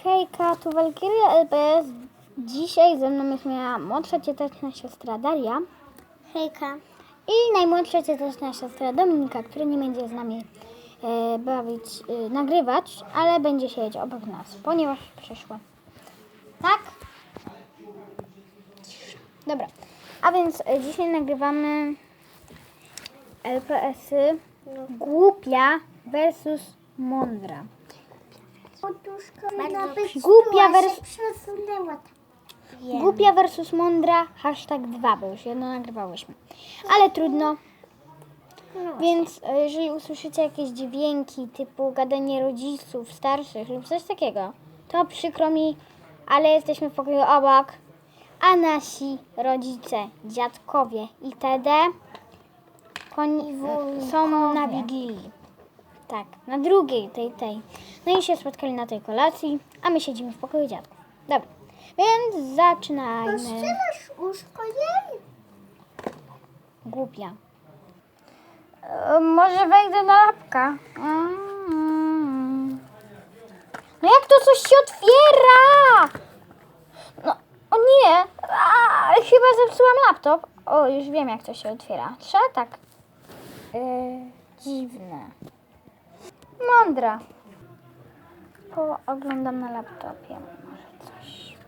Hejka, tu Walkiria LPS. Dzisiaj ze mną jest moja młodsza cioteczna siostra Daria. Hejka. I najmłodsza cioteczna siostra Dominika, która nie będzie z nami nagrywać, ale będzie siedzieć obok nas, ponieważ przyszła. Tak? Dobra, a więc dzisiaj nagrywamy LPS-y Głupia versus Mądra. Głupia versus Mądra, #2, bo już jedno nagrywałyśmy. Ale trudno. Więc jeżeli usłyszycie jakieś dźwięki typu gadanie rodziców, starszych lub coś takiego, to przykro mi, ale jesteśmy w pokoju obok, a nasi rodzice, dziadkowie itd. Są na Wigilii. Tak, na drugiej tej. No i się spotkali na tej kolacji, a my siedzimy w pokoju dziadków. Dobra, więc zaczynajmy. Rozstrzelasz łóżko jej? Głupia. Może wejdę na lapka. No jak to coś się otwiera? No, o nie. Chyba zepsułam laptop. O, już wiem jak to się otwiera. Trzeba tak. Dziwne. Mądra. Oglądam na laptopie. Może coś.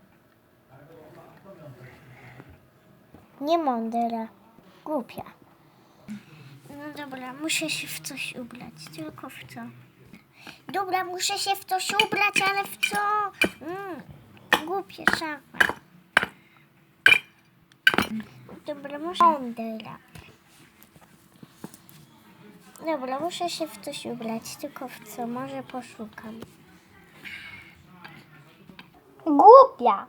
Nie mądra. Głupia. No dobra, muszę się w coś ubrać. Tylko w co? Dobra, muszę się w coś ubrać, ale w co? Głupie szafa. Dobra, muszę... Mądra. Dobra, muszę się w coś ubrać. Tylko w co? Może poszukam. Głupia.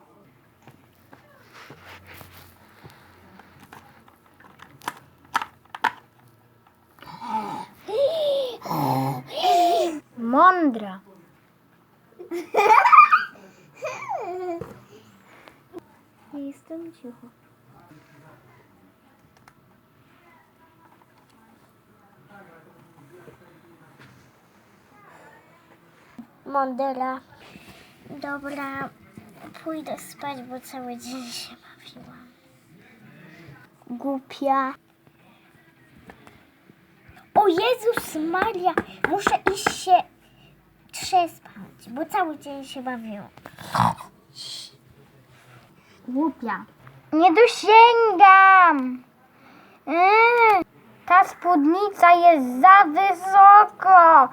Mądra. Jestem cicho. Mądra. Dobra, pójdę spać, bo cały dzień się bawiłam. Głupia. O Jezus Maria, muszę iść się trzespać, bo cały dzień się bawiłam. Głupia. Nie dosięgam. Ta spódnica jest za wysoko.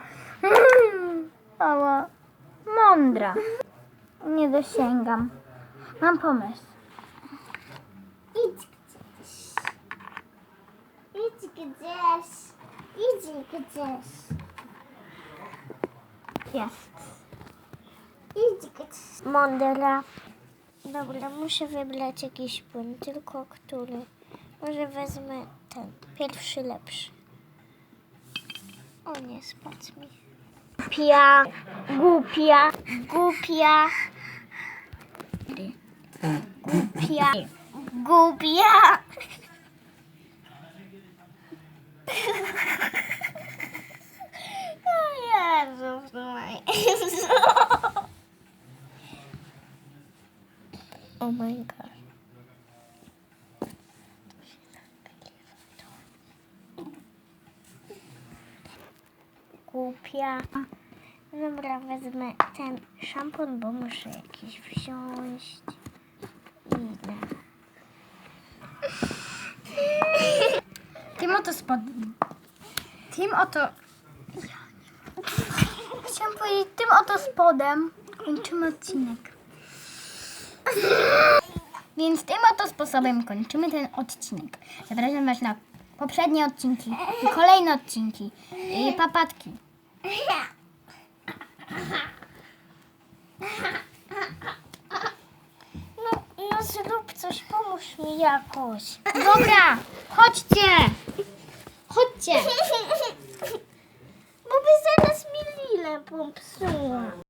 Ała. Mądra. Nie dosięgam. Mam pomysł. Idź gdzieś. Idź gdzieś. Idź gdzieś. Jest. Idź gdzieś. Mądra. Dobra, muszę wybrać jakiś płyn, tylko który. Może wezmę ten, pierwszy lepszy. O nie, spadł mi. Głupia. Głupia. Głupia. Głupia. Głupia. O Jezus Maria. Oh my God. Głupia. Dobra, wezmę ten szampon, bo muszę jakiś wziąć. Idę. Tym oto spodem. Chciałam powiedzieć, tym oto spodem kończymy odcinek. Więc tym oto sposobem kończymy ten odcinek. Zapraszam Was na poprzednie odcinki i kolejne odcinki. I papatki. No zrób coś, pomóż mi jakoś. Dobra, chodźcie. Chodźcie. Bo by zaraz mi lilę popsuła.